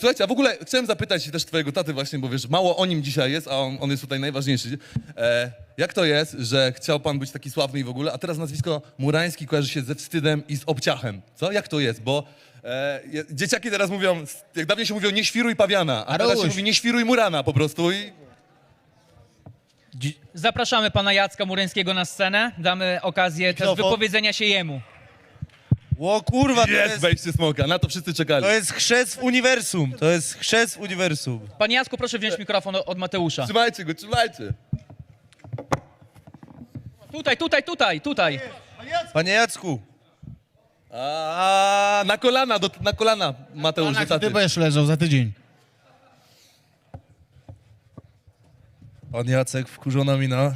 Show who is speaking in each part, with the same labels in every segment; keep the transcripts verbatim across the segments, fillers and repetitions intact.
Speaker 1: Słuchajcie, a w ogóle chciałem zapytać też twojego taty właśnie, bo wiesz, mało o nim dzisiaj jest, a on, on jest tutaj najważniejszy. E, jak to jest, że chciał pan być taki sławny i w ogóle, a teraz nazwisko Murański kojarzy się ze wstydem i z obciachem? Co? Jak to jest? Bo e, je- dzieciaki teraz mówią, jak dawniej się mówią, nie świruj pawiana, a teraz się mówi, nie świruj Murana po prostu i...
Speaker 2: Zapraszamy pana Jacka Murańskiego na scenę. Damy okazję też
Speaker 3: Mikrofon.
Speaker 2: wypowiedzenia się jemu.
Speaker 3: O kurwa, to
Speaker 1: Jest
Speaker 3: jest,
Speaker 1: wejście smoka, na to wszyscy czekali.
Speaker 3: to jest chrzest w uniwersum. To jest chrzest w uniwersum.
Speaker 2: Panie Jacku, proszę wziąć mikrofon od Mateusza.
Speaker 1: Trzymajcie go, trzymajcie.
Speaker 2: Tutaj, tutaj, tutaj, tutaj.
Speaker 3: Panie Jacku,
Speaker 1: A na kolana, do, na kolana Mateusz, do
Speaker 4: Ty
Speaker 1: taty.
Speaker 4: będziesz leżał za tydzień.
Speaker 3: pan Jacek, wkurzona mina.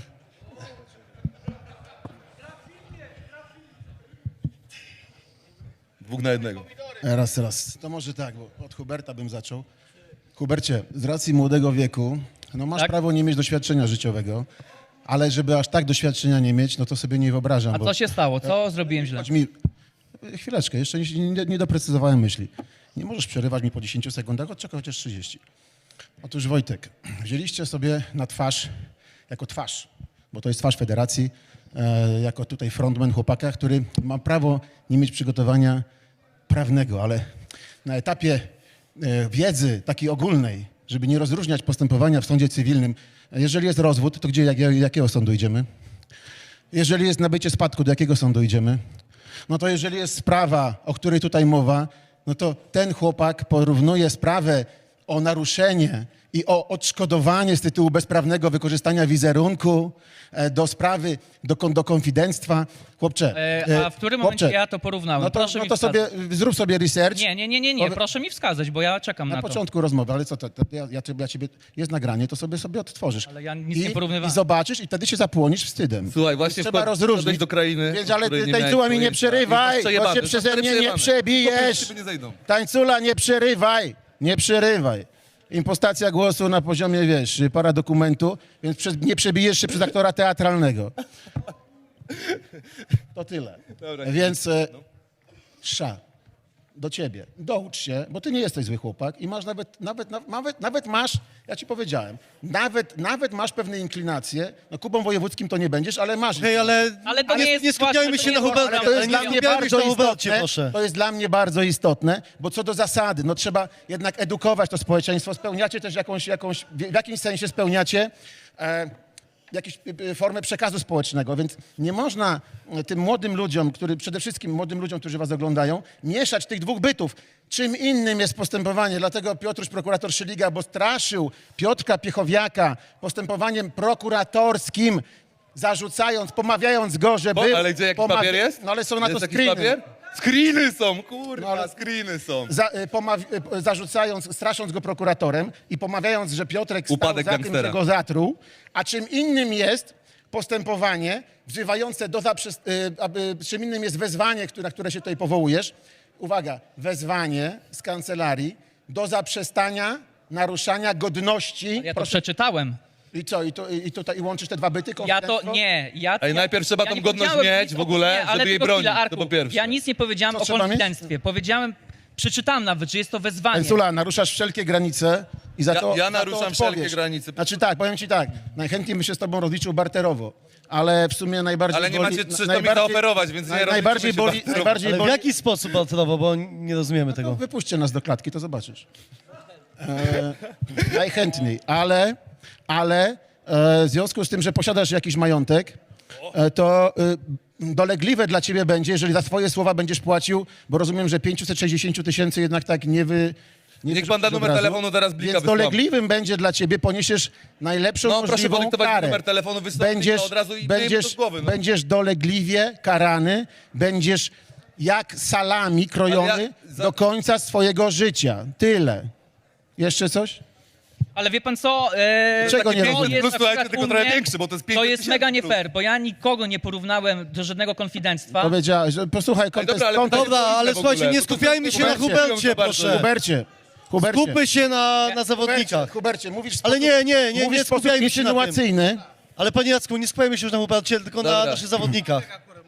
Speaker 1: Dwóch na jednego.
Speaker 4: Raz, raz. To może tak, bo od Huberta bym zaczął. Hubercie, z racji młodego wieku, no masz
Speaker 2: Tak?
Speaker 4: prawo nie mieć doświadczenia życiowego, ale żeby aż tak doświadczenia nie mieć, no to sobie nie wyobrażam.
Speaker 2: A
Speaker 4: bo...
Speaker 2: co się stało? Co zrobiłem źle?
Speaker 4: Chodź mi... Chwileczkę, jeszcze nie, nie, nie doprecyzowałem myśli. Nie możesz przerywać mi po dziesięciu sekundach, odczekaj chociaż trzydzieści. Otóż Wojtek, wzięliście sobie na twarz, jako twarz, bo to jest twarz federacji, e, jako tutaj frontman chłopaka, który ma prawo nie mieć przygotowania prawnego, ale na etapie e, wiedzy takiej ogólnej, żeby nie rozróżniać postępowania w sądzie cywilnym, jeżeli jest rozwód, to gdzie, jak, jakiego sądu idziemy? Jeżeli jest nabycie spadku, do jakiego sądu idziemy? No to jeżeli jest sprawa, o której tutaj mowa, no to ten chłopak porównuje sprawę o naruszenie i o odszkodowanie z tytułu bezprawnego wykorzystania wizerunku e, do sprawy, do, kon- do konfidenctwa. Chłopcze,
Speaker 2: E, a w którym momencie
Speaker 4: chłopcze,
Speaker 2: ja to porównałem?
Speaker 4: no to,
Speaker 2: Proszę
Speaker 4: no
Speaker 2: mi
Speaker 4: to
Speaker 2: wskazać.
Speaker 4: sobie, zrób sobie research.
Speaker 2: Nie, nie, nie, nie, nie.
Speaker 4: Powie-
Speaker 2: Proszę mi wskazać, bo ja czekam
Speaker 4: Na
Speaker 2: na to.
Speaker 4: początku rozmowy, ale co to, to ja, ja, ciebie- ja ciebie, jest nagranie, to sobie sobie odtworzysz.
Speaker 2: Ale ja nic
Speaker 4: I,
Speaker 2: nie porównywałem.
Speaker 4: I zobaczysz i wtedy się zapłonisz wstydem.
Speaker 1: Słuchaj, właśnie
Speaker 4: Trzeba
Speaker 1: wpadł-
Speaker 4: rozróżnić.
Speaker 1: wszedłeś do krainy,
Speaker 4: Więc,
Speaker 1: o
Speaker 4: ale
Speaker 1: której
Speaker 4: ty
Speaker 1: nie
Speaker 4: tańcula
Speaker 1: miałeś
Speaker 4: mi nie
Speaker 1: pojęcia. I
Speaker 4: przerywaj,
Speaker 1: masz
Speaker 4: bo
Speaker 1: przejebane,
Speaker 4: się
Speaker 1: to
Speaker 4: przeze
Speaker 1: stary
Speaker 4: mnie nie
Speaker 1: przejebane.
Speaker 4: przebijesz.
Speaker 1: Chłopy, nie zejdą.
Speaker 4: Tańcula, nie przerywaj, nie przerywaj. Impostacja głosu na poziomie, wiesz, paradokumentu, więc prze, nie przebijesz się przez aktora teatralnego. To tyle.
Speaker 1: Dobra,
Speaker 4: Więc e, sza, do ciebie, doucz się, bo ty nie jesteś zły chłopak i masz nawet, nawet, na- nawet, nawet masz, ja ci powiedziałem, nawet, nawet masz pewne inklinacje, no Kubą Wojewódzkim to nie będziesz, ale masz.
Speaker 3: Hej, ale,
Speaker 2: Ale to nie jest
Speaker 3: nie skupiajmy
Speaker 2: właśnie-
Speaker 3: się na
Speaker 2: to nie jest-
Speaker 3: Hubercie.
Speaker 4: Ale to jest
Speaker 3: ale
Speaker 4: dla
Speaker 3: nie
Speaker 4: mnie
Speaker 3: skupiajmy się
Speaker 4: bardzo
Speaker 3: na Hubercie,
Speaker 4: istotne.
Speaker 3: proszę.
Speaker 4: To jest dla mnie bardzo istotne, bo co do zasady, no trzeba jednak edukować to społeczeństwo. Spełniacie też jakąś, jakąś w jakimś sensie spełniacie e, jakąś e, formę przekazu społecznego, więc nie można e, tym młodym ludziom, który, przede wszystkim młodym ludziom, którzy was oglądają, mieszać tych dwóch bytów. Czym innym jest postępowanie, dlatego Piotruś, prokurator Szyliga, bo straszył Piotrka Piechowiaka postępowaniem prokuratorskim, zarzucając, pomawiając go, że
Speaker 1: Bo,
Speaker 4: był...
Speaker 1: ale gdzie, jaki
Speaker 4: pomawia-
Speaker 1: papier jest?
Speaker 4: No ale są na
Speaker 1: jest
Speaker 4: to
Speaker 1: jakiś
Speaker 4: screeny.
Speaker 1: papier? Screeny są, kurwa,
Speaker 4: No, ale-
Speaker 1: screeny są.
Speaker 4: Za, y, pomaw- y, zarzucając, strasząc go prokuratorem i pomawiając, że Piotrek stał
Speaker 1: Upadek
Speaker 4: za tym,
Speaker 1: gangstera.
Speaker 4: że go zatruł, a czym innym jest postępowanie wzywające do zaprzest... y, aby, czym innym jest wezwanie, które, na które się tutaj powołujesz. Uwaga, wezwanie z kancelarii do zaprzestania naruszania godności.
Speaker 2: Ja to
Speaker 4: Proszę,
Speaker 2: przeczytałem.
Speaker 4: I co, i, to, i, tutaj, i łączysz te dwa byty?
Speaker 2: Ja to
Speaker 4: konfidenctwo?
Speaker 2: nie. Ja,
Speaker 1: Ej,
Speaker 2: ja,
Speaker 1: najpierw trzeba
Speaker 2: ja
Speaker 1: tą
Speaker 2: nie
Speaker 1: godność
Speaker 2: powiedziałem
Speaker 1: mieć
Speaker 2: nic
Speaker 1: w
Speaker 2: o-
Speaker 1: ogóle,
Speaker 2: nie, ale
Speaker 1: żeby jej
Speaker 2: tylko
Speaker 1: bronić,
Speaker 2: chwilę,
Speaker 1: to
Speaker 2: Arku.
Speaker 1: po pierwsze.
Speaker 2: Ja nic nie powiedziałem
Speaker 4: Co
Speaker 2: o
Speaker 4: trzeba mieć?
Speaker 2: konfidenctwie. Powiedziałem, przeczytałem nawet, że jest to wezwanie.
Speaker 4: Pensula, naruszasz wszelkie granice i za
Speaker 1: Ja-
Speaker 4: to
Speaker 1: ja
Speaker 4: za to
Speaker 1: naruszam
Speaker 4: odpowiesz.
Speaker 1: wszelkie granice.
Speaker 4: Znaczy tak, powiem ci tak, najchętniej by się z tobą rozliczył barterowo, ale w sumie najbardziej
Speaker 1: Ale nie
Speaker 4: boli...
Speaker 1: macie trzy, to mi
Speaker 4: najbardziej-
Speaker 1: zaoferować, więc nie
Speaker 4: naj-
Speaker 1: rozliczymy
Speaker 4: najbardziej
Speaker 1: się
Speaker 4: boli,
Speaker 1: barterowo.
Speaker 4: najbardziej
Speaker 3: Ale w
Speaker 4: boli...
Speaker 3: jaki sposób balcerowo, bo nie rozumiemy
Speaker 4: No,
Speaker 3: tego.
Speaker 4: wypuśćcie nas do klatki, to zobaczysz. E, najchętniej, ale, ale e, w związku z tym, że posiadasz jakiś majątek, e, to e, dolegliwe dla ciebie będzie, jeżeli za swoje słowa będziesz płacił, bo rozumiem, że pięćset sześćdziesiąt tysięcy jednak tak nie wy... Nie
Speaker 1: Niech pan da
Speaker 4: wyrzucisz
Speaker 1: numer
Speaker 4: od razu.
Speaker 1: telefonu, zaraz blika
Speaker 4: Więc
Speaker 1: wysyłam.
Speaker 4: dolegliwym będzie dla ciebie, poniesiesz najlepszą
Speaker 1: No, proszę
Speaker 4: możliwą
Speaker 1: podyktować
Speaker 4: karę.
Speaker 1: numer telefonu, wystąpić
Speaker 4: będziesz,
Speaker 1: to od razu i wyjmij to
Speaker 4: będziesz,
Speaker 1: z głowy, no.
Speaker 4: będziesz dolegliwie karany, będziesz jak salami krojony
Speaker 1: Ale ja za-
Speaker 4: do końca swojego życia. Tyle. Jeszcze coś?
Speaker 2: Ale wie pan co? E,
Speaker 4: Czego
Speaker 2: takie
Speaker 4: nie
Speaker 2: to
Speaker 4: rozumiem?
Speaker 2: jest
Speaker 1: Plus,
Speaker 2: na
Speaker 1: słuchajcie,
Speaker 2: przykład
Speaker 1: tylko
Speaker 2: u
Speaker 1: trochę
Speaker 2: mnie-
Speaker 1: większy, bo to jest
Speaker 2: To
Speaker 1: pięćset
Speaker 2: jest mega nie
Speaker 1: tysięcy
Speaker 2: fair, bo ja nikogo nie porównałem do żadnego konfidenctwa.
Speaker 4: Powiedziałeś, że posłuchaj, kontekst,
Speaker 1: dobra, ale
Speaker 4: kontekst.
Speaker 3: Dobra, ale
Speaker 1: w ogóle,
Speaker 3: słuchajcie, nie
Speaker 1: bo to
Speaker 3: skupiajmy
Speaker 1: są-
Speaker 3: się na
Speaker 4: Hubercie,
Speaker 3: Hubercie, proszę.
Speaker 4: Hubercie, Hubercie.
Speaker 3: Skupmy się na, na
Speaker 4: Hubercie,
Speaker 3: zawodnikach.
Speaker 4: Hubercie, mówisz w
Speaker 3: Ale
Speaker 4: sposób,
Speaker 3: nie, nie, nie,
Speaker 4: mówisz
Speaker 3: nie
Speaker 4: w sposób
Speaker 3: skupiajmy się na tym.
Speaker 4: insynuacyjny.
Speaker 3: Ale panie Jacku, nie skupiajmy się już na Hubercie, tylko na
Speaker 1: Dobra.
Speaker 3: naszych zawodnikach.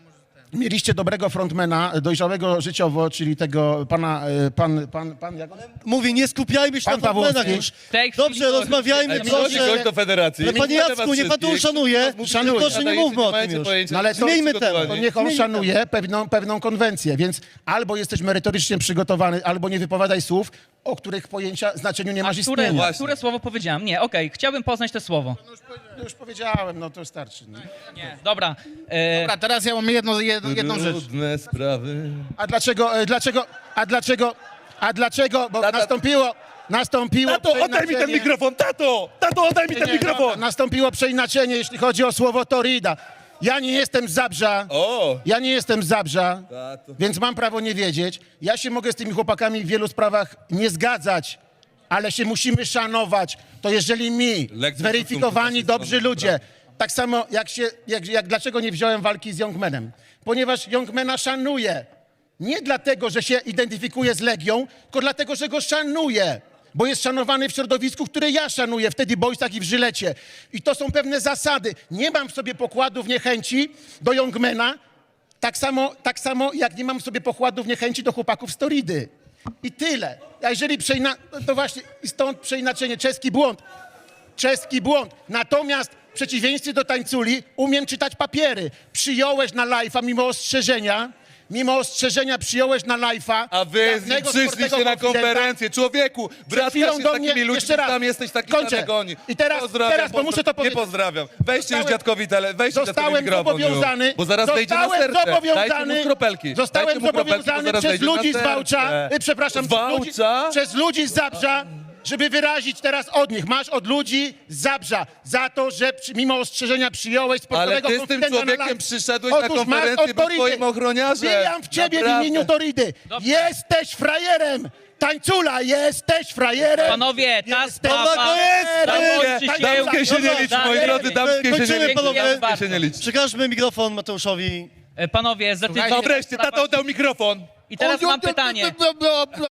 Speaker 4: Mieliście dobrego frontmana, dojrzałego życiowo, czyli tego pana, e, pan, pan, pan, jak on?
Speaker 3: Mówię, nie skupiajmy się
Speaker 4: Pan
Speaker 3: na frontmenach
Speaker 4: Pawłowski.
Speaker 3: już.
Speaker 2: W tej chwili
Speaker 3: Dobrze,
Speaker 2: to-
Speaker 3: rozmawiajmy,
Speaker 1: Ej,
Speaker 3: proszę.
Speaker 1: przychodzi gość do federacji.
Speaker 3: Ale panie
Speaker 1: Wita
Speaker 3: Jacku,
Speaker 1: was
Speaker 3: niech pan to
Speaker 1: wszystkich.
Speaker 3: uszanuje.
Speaker 4: Szanuję.
Speaker 3: Proszę, nie mówmy o tym już.
Speaker 4: No ale to,
Speaker 3: Zmieńmy temat.
Speaker 4: To niech on
Speaker 3: Zmieńmy
Speaker 4: szanuje pewną, pewną konwencję, więc albo jesteś merytorycznie przygotowany, albo nie wypowiadaj słów, o których pojęcia, znaczeniu nie masz
Speaker 2: Które,
Speaker 4: istnienia.
Speaker 1: Właśnie.
Speaker 2: które słowo powiedziałem? Nie, okej, chciałbym poznać to słowo.
Speaker 4: No już powiedziałem, no to starczy. No.
Speaker 2: Nie, dobra. E,
Speaker 5: Dobra, teraz ja mam jedno, jedno, jedną rzecz.
Speaker 1: Trudne sprawy.
Speaker 4: A dlaczego, e, dlaczego, a dlaczego, a dlaczego, bo
Speaker 1: Tata-
Speaker 4: nastąpiło, nastąpiło
Speaker 1: Tato, oddaj mi ten
Speaker 4: przeinaczenie-
Speaker 1: mikrofon, tato! Tato, oddaj mi ten
Speaker 4: Nie,
Speaker 1: mikrofon!
Speaker 4: no, nastąpiło przeinaczenie, jeśli chodzi o słowo torrida. Ja nie jestem z Zabrza,
Speaker 1: O!
Speaker 4: ja nie jestem z Zabrza,
Speaker 1: Tato.
Speaker 4: więc mam prawo nie wiedzieć. Ja się mogę z tymi chłopakami w wielu sprawach nie zgadzać, ale się musimy szanować. To jeżeli mi,
Speaker 1: Lekcja
Speaker 4: zweryfikowani,
Speaker 1: szacunku
Speaker 4: dobrzy ludzie, tak samo jak się, jak, jak dlaczego nie wziąłem walki z Youngmanem? Ponieważ Youngmana szanuję. Nie dlatego, że się identyfikuje z Legią, tylko dlatego, że go szanuję. Bo jest szanowany w środowisku, które ja szanuję, wtedy Boysach i w Żylecie. I to są pewne zasady. Nie mam w sobie pokładów niechęci do Youngmana, tak samo, tak samo jak nie mam w sobie pokładów niechęci do chłopaków z Toridy. I tyle. A jeżeli przeina... to właśnie i stąd przeinaczenie, czeski błąd. Czeski błąd. Natomiast w przeciwieństwie do tańculi umiem czytać papiery. Przyjąłeś na live'a mimo ostrzeżenia, mimo ostrzeżenia przyjąłeś na live'a.
Speaker 1: A wy z nim
Speaker 4: dawnego
Speaker 1: przyszliście
Speaker 4: sportego
Speaker 1: na
Speaker 4: konfidenta.
Speaker 1: konferencję. Człowieku,
Speaker 4: Przed
Speaker 1: bratka
Speaker 4: chwilą
Speaker 1: się z
Speaker 4: do
Speaker 1: takimi
Speaker 4: mnie,
Speaker 1: ludźmi,
Speaker 4: jeszcze raz.
Speaker 1: tam jesteś taki
Speaker 4: Kończę.
Speaker 1: samego oni.
Speaker 4: I teraz-
Speaker 1: pozdrawiam,
Speaker 4: teraz, bo
Speaker 1: pozdra-
Speaker 4: muszę to
Speaker 1: Nie
Speaker 4: powiedzieć.
Speaker 1: pozdrawiam. Weźcie już
Speaker 4: Zostałem-
Speaker 1: dziadkowi tele, weźcie dziadkowi
Speaker 4: Zostałem
Speaker 1: mikrofon
Speaker 4: zobowiązany,
Speaker 1: już, bo zaraz wejdzie na
Speaker 4: zostałem
Speaker 1: serce. Dajcie
Speaker 4: zobowiązany,
Speaker 1: mu kropelki.
Speaker 4: zostałem
Speaker 1: Dajcie mu kropelki, bo
Speaker 4: zobowiązany
Speaker 1: zaraz
Speaker 4: przez
Speaker 1: wejdzie na
Speaker 4: ludzi z
Speaker 1: serce.
Speaker 4: Wałcza, y, przepraszam,
Speaker 1: Z
Speaker 4: przez ludzi,
Speaker 1: Wałcza?
Speaker 4: przez ludzi z Zabrza, żeby wyrazić teraz od nich. Masz od ludzi z Zabrza za to, że przy, mimo ostrzeżenia przyjąłeś sportowego
Speaker 1: Ale ty z tym
Speaker 4: konfidenta na
Speaker 1: człowiekiem
Speaker 4: live.
Speaker 1: przyszedłeś na
Speaker 4: Otóż masz
Speaker 1: konferencję,
Speaker 4: od
Speaker 1: był
Speaker 4: Toridy.
Speaker 1: twoim ochroniarzem.
Speaker 4: Wbijam w ciebie
Speaker 1: Naprawdę.
Speaker 4: w imieniu Toridy.
Speaker 2: Dobrze.
Speaker 4: Jesteś frajerem. Tańcula, jesteś frajerem.
Speaker 2: Panowie, ta
Speaker 4: Jesteś
Speaker 2: sprawa...
Speaker 3: to jest!
Speaker 2: Zakończy się...
Speaker 1: Damskie się nie liczy, moi
Speaker 2: Dajemy.
Speaker 1: drodzy, damskie się nie
Speaker 3: Kończymy,
Speaker 1: liczy.
Speaker 3: panowie.
Speaker 1: Damskie się nie liczy.
Speaker 3: Przekażmy mikrofon Mateuszowi.
Speaker 2: E, Panowie, za tydzień...
Speaker 1: No wreszcie, tato oddał mikrofon.
Speaker 2: I teraz mam pytanie.